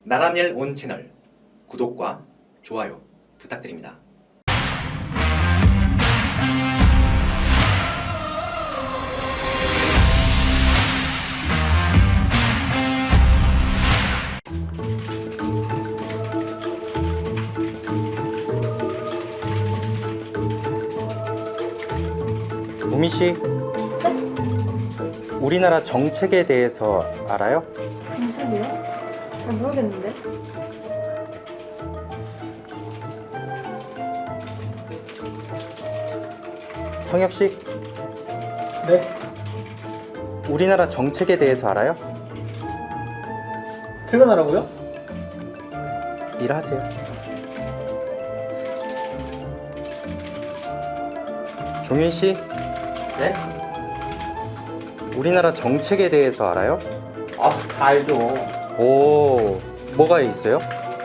나란일 온 채널 구독과 좋아요 부탁드립니다. 우미 씨, 우리나라 정책에 대해서 알아요? 정책이요? 잘 모르겠는데. 성혁 씨, 네, 우리나라 정책에 대해서 알아요? 퇴근하라고요? 일하세요. 종윤 씨, 네? 우리나라 정책에 대해서 알아요? 아, 다 알죠. 오, 뭐가 있어요?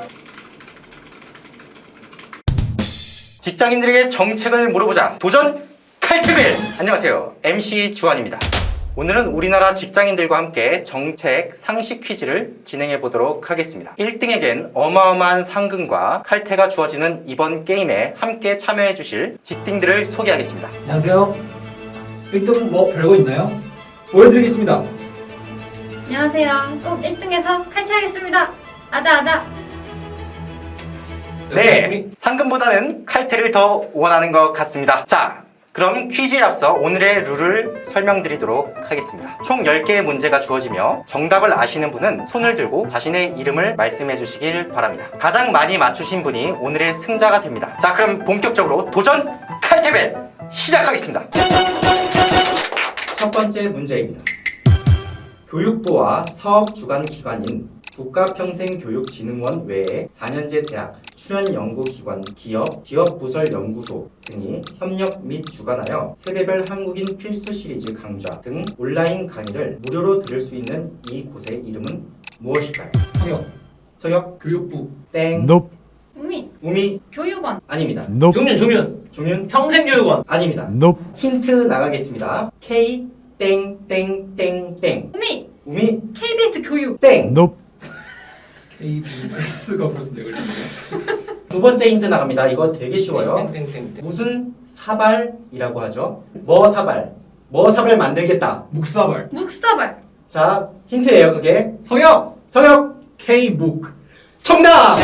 직장인들에게 정책을 물어보자. 도전 칼퇴빌! 안녕하세요. MC 주한입니다. 오늘은 우리나라 직장인들과 함께 정책 상식 퀴즈를 진행해 보도록 하겠습니다. 1등에겐 어마어마한 상금과 칼퇴가 주어지는 이번 게임에 함께 참여해 주실 직딩들을 소개하겠습니다. 안녕하세요. 1등 뭐 별거 있나요? 보여드리겠습니다. 안녕하세요. 꼭 1등에서 칼퇴하겠습니다. 아자. 네, 상금보다는 칼퇴를 더 원하는 것 같습니다. 자, 그럼 퀴즈에 앞서 오늘의 룰을 설명드리도록 하겠습니다. 총 10개의 문제가 주어지며 정답을 아시는 분은 손을 들고 자신의 이름을 말씀해 주시길 바랍니다. 가장 많이 맞추신 분이 오늘의 승자가 됩니다. 자, 그럼 본격적으로 도전 칼퇴벨 시작하겠습니다. 첫 번째 문제입니다. 교육부와 사업 주관 기관인 국가평생교육진흥원 외에 4년제 대학, 출연연구기관, 기업부설연구소 등이 협력 및 주관하여 세대별 한국인 필수 시리즈 강좌 등 온라인 강의를 무료로 들을 수 있는 이곳의 이름은 무엇일까요? 성혁, 성혁, 교육부. 땡. 우미, 우미, 교육원. 아닙니다. 종윤. 평생교육원, 아닙니다. 힌트 나가겠습니다. K 땡땡땡땡. 우미, 우미, KBS 교육. 땡. KBS가 벌써 내걸리네요. 두 번째 힌트 나갑니다. 이거 되게 쉬워요. 땡땡땡. 무슨 사발이라고 하죠? 뭐 사발 만들겠다. 묵사발. 묵사발. 자, 힌트예요 그게. 성혁, 성혁, K묵. 정답!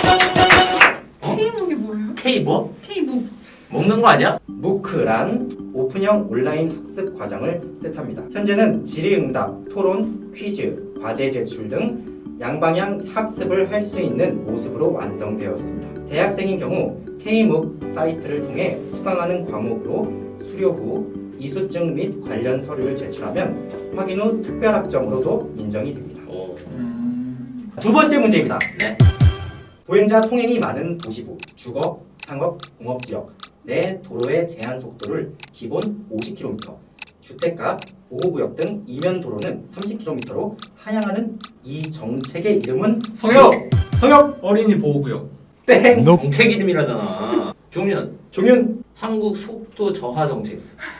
K묵이 뭐예요? K 뭐? K묵. 먹는 거 아니야? 무크란 오픈형 온라인 학습 과정을 뜻합니다. 현재는 질의응답, 토론, 퀴즈, 과제 제출 등 양방향 학습을 할 수 있는 모습으로 완성되었습니다. 대학생인 경우 K묵 사이트를 통해 수강하는 과목으로 수료 후 이수증 및 관련 서류를 제출하면 확인 후 특별학점으로도 인정이 됩니다. 오. 두 번째 문제입니다. 네. 보행자 통행이 많은 도시부, 주거, 상업, 공업지역 내 도로의 제한 속도를 기본 50km, 주택가, 보호구역 등 이면 도로는 30km로 하향하는 이 정책의 이름은 성혁, 성혁, 어린이 보호구역. 땡, 정책 이름이라잖아. 종윤. 종윤, 한국 속도 저하 정책.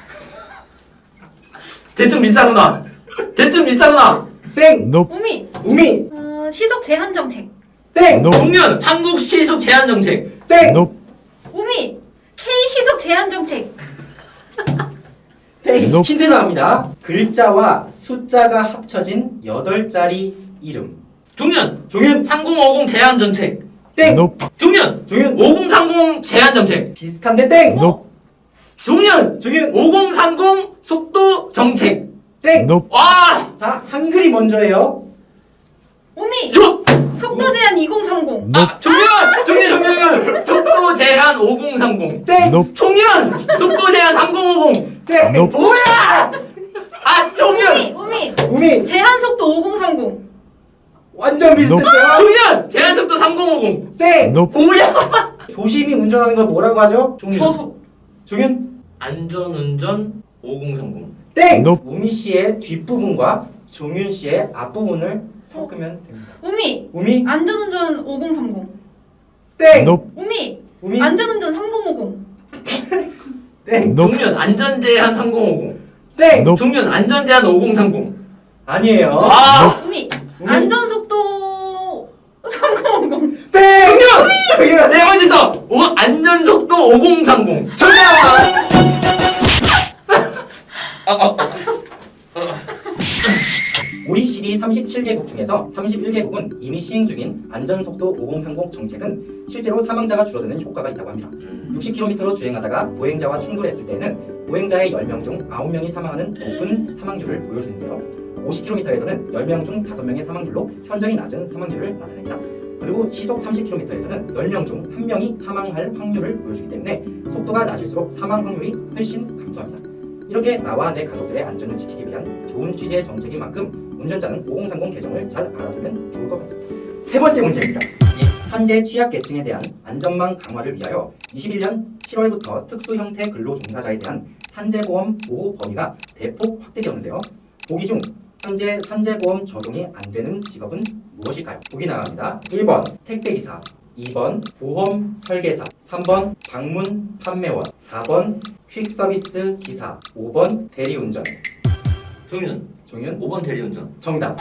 대충 비싸구나. 땡, 우미, 우미, 시속 제한 정책. 땡, 종윤. 한국 시속 제한 정책. 땡, 우미, K 시속 제한 정책. 땡. 힌트 나옵니다. 글자와 숫자가 합쳐진 8자리 이름. 종윤. 종윤, 3050 제한 정책. 땡, 종윤. 종윤, 5030 제한 정책. 비슷한데 땡, 종윤. 종윤, 5030 속도 정책. 땡. 와! 자, 한글이 먼저예요. 우미, 좋아! 속도 제한 2030. 아, 종윤! 속도 제한 5030. 땡, 종윤! 속도 제한 3050. 땡, 뭐야! 아, 종윤! 우미, 우미, 제한 속도 5030. 완전 비슷했어요. 종윤! 제한 속도 3050. 땡. 뭐야! 조심히 운전하는 걸 뭐라고 하죠? 종윤. 저속. 종윤, 안전운전 5030. 땡. 우미 씨의 뒷부분과 종윤 씨의 앞부분을 섞으면 됩니다. 우미, 우미, 안전운전 5030. 땡. 우미, 우미, 안전운전 3050. 땡. 종윤 안전제한 3050. 땡. 종윤 안전제한 5030. 아니에요. 아! 우미, 우미, 안전속도 안전속도 5030. 정답! OECD 37개국 중에서 31개국은 이미 시행 중인 안전속도 5030 정책은 실제로 사망자가 줄어드는 효과가 있다고 합니다. 60km로 주행하다가 보행자와 충돌했을 때에는 보행자의 10명 중 9명이 사망하는 높은 사망률을 보여주는데요. 50km에서는 10명 중 5명의 사망률로 현저히 낮은 사망률을 나타냅니다. 그리고 시속 30km에서는 10명 중 1명이 사망할 확률을 보여주기 때문에 속도가 낮을수록 사망 확률이 훨씬 감소합니다. 이렇게 나와 내 가족들의 안전을 지키기 위한 좋은 취지의 정책인 만큼 운전자는 5030 개정을 잘 알아두면 좋을 것 같습니다. 세 번째 문제입니다. 산재 취약계층에 대한 안전망 강화를 위하여 21년 7월부터 특수 형태 근로 종사자에 대한 산재보험 보호 범위가 대폭 확대되었는데요. 보기 중 현재 산재보험 적용이 안 되는 직업은 무엇일까요? 보기 나갑니다. 1번 택배기사, 2번 보험 설계사, 3번 방문 판매원, 4번 퀵서비스 기사, 5번 대리운전. 종윤. 종윤 5번 대리운전. 정답.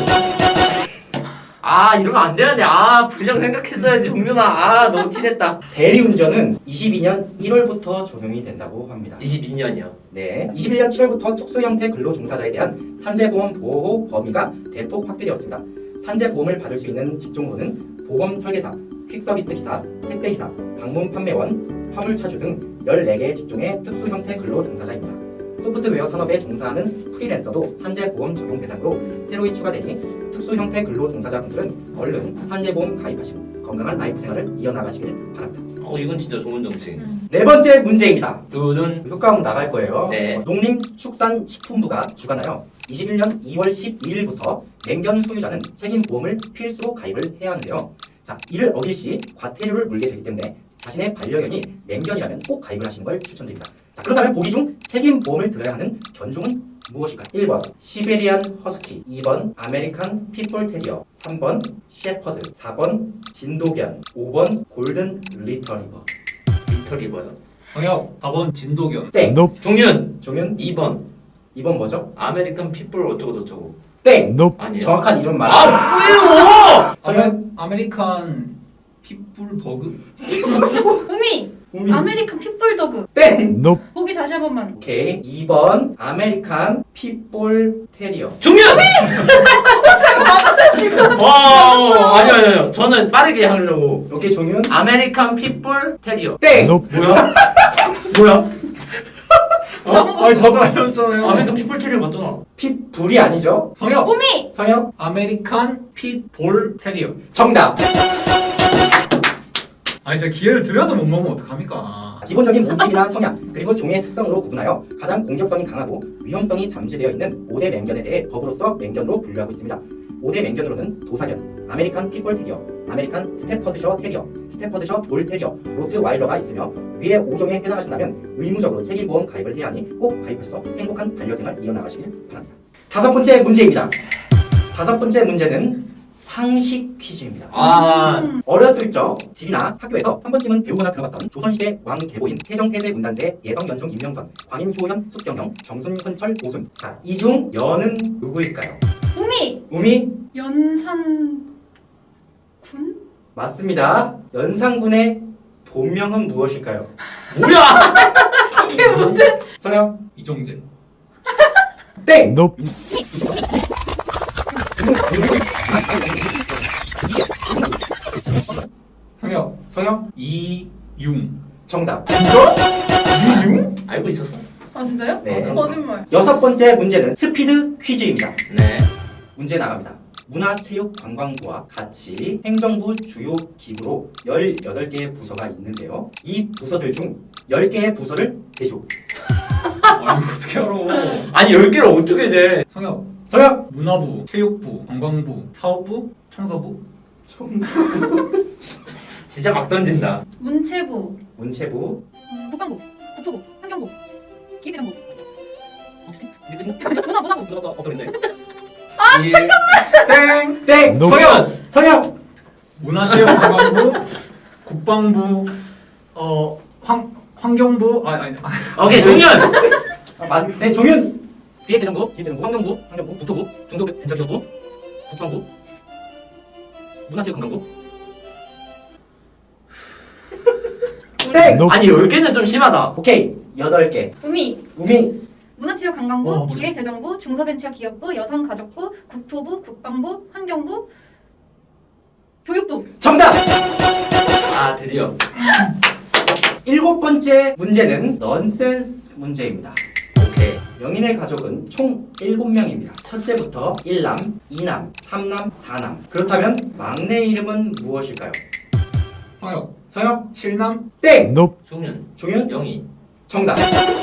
아 이러면 안 되는데. 아 분량 생각했어야지 종윤아. 아 너무 티냈다. 대리운전은 22년 1월부터 적용이 된다고 합니다. 22년이요. 네, 21년 7월부터 특수 형태 근로 종사자에 대한 산재보험 보호 범위가 대폭 확대되었습니다. 산재보험을 받을 수 있는 직종으로는 보험 설계사, 퀵서비스 기사, 택배기사, 방문 판매원, 화물차주 등 14개의 직종의 특수 형태 근로 종사자입니다. 소프트웨어 산업에 종사하는 프리랜서도 산재보험 적용 대상으로 새로이 추가되니 특수 형태 근로 종사자분들은 얼른 산재보험 가입하시고 건강한 라이프 생활을 이어나가시길 바랍니다. 이건 진짜 좋은 정책. 네 번째 문제입니다. 두둔. 효과음 나갈 거예요. 네. 농림축산식품부가 주관하여 21년 2월 12일부터 맹견 소유자는 책임보험을 필수로 가입을 해야 하는데요. 자, 이를 어길 시 과태료를 물게 되기 때문에 자신의 반려견이 맹견이라면 꼭 가입을 하시는 걸 추천드립니다. 자, 그렇다면 보기 중 책임보험을 들어야 하는 견종은 무엇일까요? 1번 시베리안 허스키, 2번 아메리칸 핏볼 테리어, 3번 셰퍼드, 4번 진도견, 5번 골든 리터리버. 리터리버요. 정혁 4번 진도견. 땡. 종윤. 종윤 2번 2번 뭐죠? 아메리칸 핏불 어쩌고 저쩌고. 땡. 아니에요. 정확한 이름 말. 아 성현 아메리칸 핏불 버그? 우미 우미. 아메리칸 핏불도그. 땡. 보기 다시 한 번만. 오케이. 2번 아메리칸 핏볼 테리어. 종윤. 맞았어요 지금. 와 아니요. 저는 빠르게 하려고. 오케이 종윤. 아메리칸 핏불 테리어. 땡. 뭐야? 뭐야? 아니 다들 알려줬잖아요. 아메리칸 핏불 테리어 맞잖아. 핏불이 아니죠? 성혁 우미 성형 아메리칸 핏볼 테리어. 정답. 아니 제가 기회를 드려도 못 먹으면 어떡합니까? 기본적인 몸집이나 성향 그리고 종의 특성으로 구분하여 가장 공격성이 강하고 위험성이 잠재되어 있는 5대 맹견에 대해 법으로서 맹견으로 분류하고 있습니다. 5대 맹견으로는 도사견, 아메리칸 핏볼 테리어, 아메리칸 스태퍼드셔 테리어, 스태퍼드셔 볼 테리어, 로트와일러가 있으며 위에 5종에 해당하신다면 의무적으로 책임보험 가입을 해야 하니 꼭 가입하셔서 행복한 반려생활 이어나가시길 바랍니다. 다섯 번째 문제입니다. 다섯 번째 문제는 상식 퀴즈입니다. 어렸을 적 집이나 학교에서 한 번쯤은 배우거나 들어봤던 조선시대 왕계보인 태정태세 문단세 예성연중 임명선 광인효현 숙경영 정순헌철 오순. 자, 이 중 연은 누구일까요? 우미 우미 연산군. 맞습니다. 연산군의 본명은 무엇일까요? 뭐야? 이게 무슨? 성형 이종재. 땡. 성혁 성형 이융. 정답. 이융? 알고 있었어. 아 진짜요? 네. 거짓말. 여섯 번째 문제는 스피드 퀴즈입니다. 네. 문제 나갑니다. 문화체육관광부와 같이 행정부 주요 기구로 18개의 부서가 있는데요. 이 부서들 중 10개의 부서를 대시오. 아니 어떻게 알아? 아니 10개를 어떻게 돼? 성혁 성형 문화부, 체육부, 관광부, 사업부, 청소부. 진짜 막 던진다. 문체부, 문체부 국방부, 국토부, 환경부, 기대정부. 문화부. 누가 어떤데? 땡. 땡. 성현. 성형 문화체육관광부, 국방부, 환경부. 오케이 종현. 네, 종윤 기획재정부, 기재정부, 환경부, 환경부, 국토부, 중소벤처기업부, 국방부, 문화체육관광부. 땡! 아니 10개는 좀 심하다. 오케이 8개. 우미, 우미 문화체육관광부, 기획재정부, 중소벤처기업부, 여성가족부, 국토부, 국방부, 환경부, 교육부. 정답! 아 드디어. 7번째 문제는 넌센스 문제입니다. 오케이. 영인의 가족은 총 7명입니다. 첫째부터 1남, 2남, 3남, 4남. 그렇다면 막내 이름은 무엇일까요? 성혁 성혁 7남 땡! 종윤. 종윤 영희. 정답.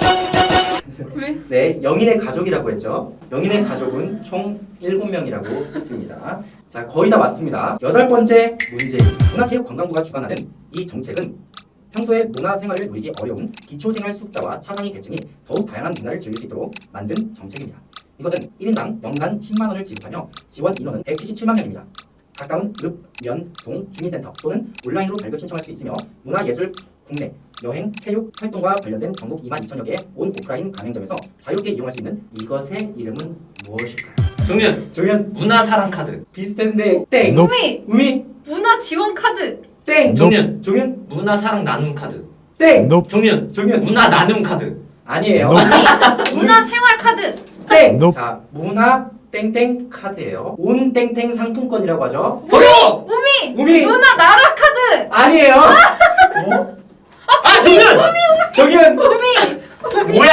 왜? 네, 영인의 가족이라고 했죠. 영인의 가족은 총 7명이라고 했습니다. 자, 거의 다 왔습니다. 8번째 문제입니다. 문화체육관광부가 주관하는 이 정책은 평소에 문화생활을 누리기 어려운 기초생활 수급자와 차상위 계층이 더욱 다양한 문화를 즐길 수 있도록 만든 정책입니다. 이것은 1인당 연간 10만 원을 지급하며 지원 인원은 177만 명입니다. 가까운 읍, 면, 동, 주민센터 또는 온라인으로 발급 신청할 수 있으며 문화예술, 국내, 여행, 체육, 활동과 관련된 전국 2만 2천여 개의 온 오프라인 가맹점에서 자유롭게 이용할 수 있는 이것의 이름은 무엇일까요? 종윤. 종현 문화사랑 카드. 비슷한데 땡! 우미, 우미 문화지원카드. 땡! 종윤. 종현 문화사랑 나눔 카드. 땡! 종윤. 종현 문화 나눔 카드. 아니에요. 우미, 문화생활카드. 땡! 자, 문화 땡땡 카드예요. 온 땡땡 상품권이라고 하죠. 성혁. 우미, 우미 문화나라카드. 아니에요. 어? 아 종윤. 정현 우미, 뭐야?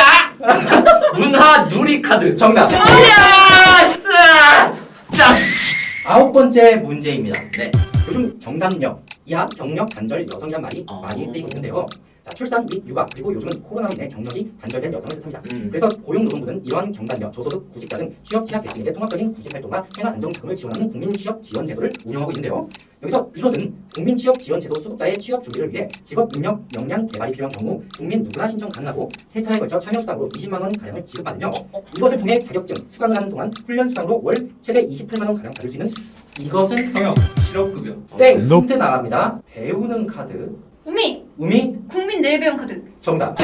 문화 누리 카드. 정답. 야스. 짜. 9번째 문제입니다. 네. 요즘 경단녀, 이하, 경력, 단절, 여성이란 말이 많이 쓰이고 있는데요. 자, 출산 및 육아 그리고 요즘은 코로나로 인해 경력이 단절된 여성을 뜻합니다. 그래서 고용노동부는 이러한 경단녀, 저소득 구직자 등 취업 취약 계층에게 통합적인 구직활동과 생활 안정자금을 지원하는 국민 취업 지원 제도를 운영하고 있는데요. 여기서 이것은 국민 취업 지원 제도 수급자의 취업 준비를 위해 직업 능력 역량 개발이 필요한 경우 국민 누구나 신청 가능하고 세 차례에 걸쳐 참여 수당으로 20만 원 가량을 지급받으며 이것을 통해 자격증 수강을 하는 동안 훈련 수당으로 월 최대 28만 원 가량 받을 수 있는 이것은 성혁 실업급여 땡! 힌트 나갑니다. 배우는 카드. 우미, 우미 국민 내일 배움 카드. 정답.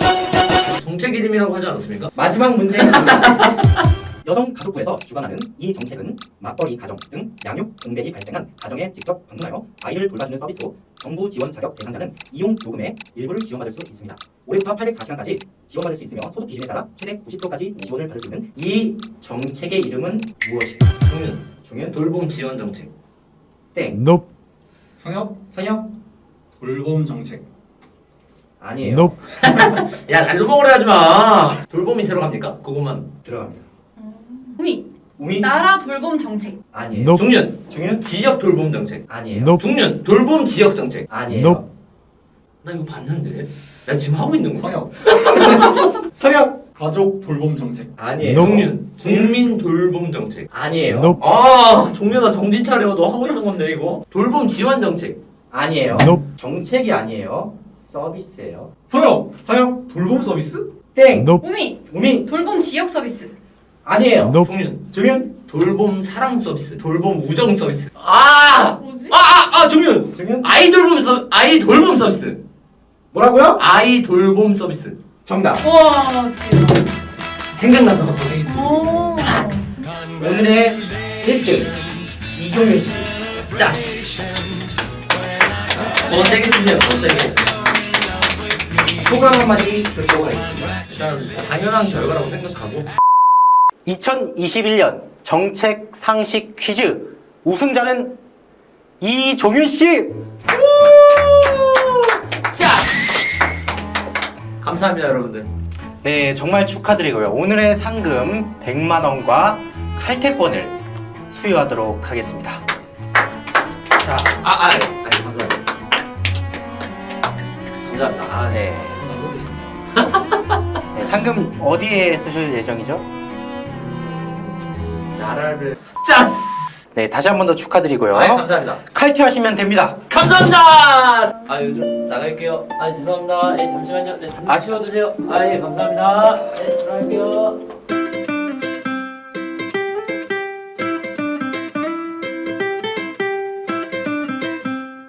정책 이름이라고 하지 않았습니까? 마지막 문제입니다. 여성가족부에서 주관하는 이 정책은 맞벌이 가정 등 양육, 공백이 발생한 가정에 직접 방문하여 아이를 돌봐주는 서비스로 정부 지원 자격 대상자는 이용 요금의 일부를 지원받을 수 있습니다. 올해부터 804시간까지 지원받을 수 있으며 소득 기준에 따라 최대 90%까지 지원을 받을 수 있는 이 정책의 이름은 무엇일까요? 종윤. 종현 돌봄 지원 정책. 땡. 성혁 선영 돌봄 정책 아니에요. 야 날로 먹으려 하지 마. 돌봄이 들어갑니까? 그것만. 들어갑니다. 우미, 우미 나라 돌봄 정책. 아니에요. 종윤. 종현 지역 돌봄 정책. 아니에요. 종윤. 돌봄 지역 정책. 아니에요. 나 이거 봤는데. 나 지금 하고 있는 거야. 성혁 선영 가족 돌봄 정책 아니에요. 종윤. 국민 돌봄 정책. 아니에요. 아 종윤아 정신 차려. 너 하고 있는 건데 이거. 돌봄 지원 정책. 아니에요. 정책이 아니에요. 서비스예요. 성혁 서영 돌봄 서비스 땡. 우미, 우미 돌봄 지역 서비스. 아니에요. 종윤. 종현 돌봄 사랑 서비스. 돌봄 우정 서비스. 아! 뭐지? 종윤. 종현 아이 돌봄 서비스. 뭐라고요? 아이 돌봄 서비스. 정답. 와, 대박. 생각나서 갑자기. 오. 오늘의 1등 이종윤 씨. 짜. 더 세게 주세요. 더 세게. 소감 한마디 듣도록 하겠습니다. 일단 당연한 결과라고 생각하고. 2021년 정책 상식 퀴즈 우승자는 이종윤 씨. 짜. 감사합니다 여러분들. 네, 정말 축하드리고요. 오늘의 상금 100만 원과 칼퇴권을 수여하도록 하겠습니다. 자, 감사합니다. 감사합니다. 네. 네, 상금 어디에 쓰실 예정이죠? 나라를 짜스. 네, 다시 한 번 더 축하드리고요. 감사합니다. 칼퇴하시면 됩니다. 감사합니다. 요즘 나갈게요. 죄송합니다. 잠시만요. 좀 쉬어주세요. 감사합니다. 들어갈게요.